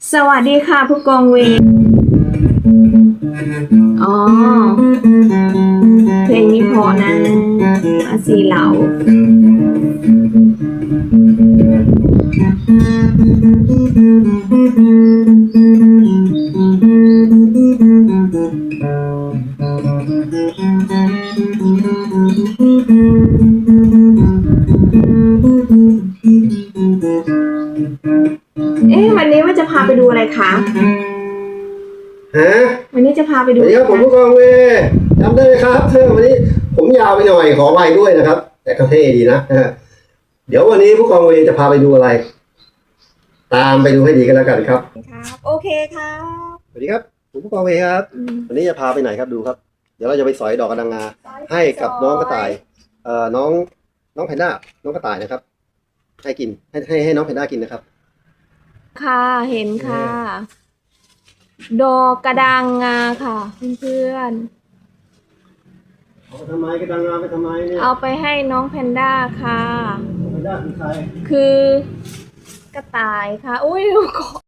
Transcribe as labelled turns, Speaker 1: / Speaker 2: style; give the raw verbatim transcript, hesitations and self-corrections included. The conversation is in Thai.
Speaker 1: สวัสดีค่ะผู้กองเวรอ๋อเพลงนี้เพอนะอาซีเหลาเอ๊ะวันนี้ว่าจะพาไปดูอะไรคะ
Speaker 2: ฮะ
Speaker 1: วันนี้จะพาไปดู
Speaker 2: สวัสดีครับผมผู้กองเวจำได้ไหมครับเธอวันนี้ผมยาวไปหน่อยขอไว้ด้วยนะครับ แต่ก็เท่ดีนะเดี๋ยววันนี้ผู้กองเวจะพาไปดูอะไร ตามไปดูให้ดีกันแล้วกันครับ
Speaker 1: ครับโอเคครับ
Speaker 2: สวัสดีครับผมผู้กองเวครับวันนี้จะพาไปไหนครับดูครับเดี๋ยวเราจะไปสอยดอกกระดังงาให้กับน้องกระต่ายเอ่อน้องน้องแพนด้าน้องกระต่ายนะครับ ให้กินให้ให้ให้น้องแพนด้ากินนะครับ
Speaker 1: ค่ะเห็นค่ะ ดอกกระดังงาค่ะเพื่อน
Speaker 2: ๆเอาไปทำไมกระดังงาไปทำไมเนี่ย
Speaker 1: เอาไปให้น้องแพนด้าค่ะ
Speaker 2: แพนด้าคือใคร
Speaker 1: คือกระต่ายค่ะอุ้ย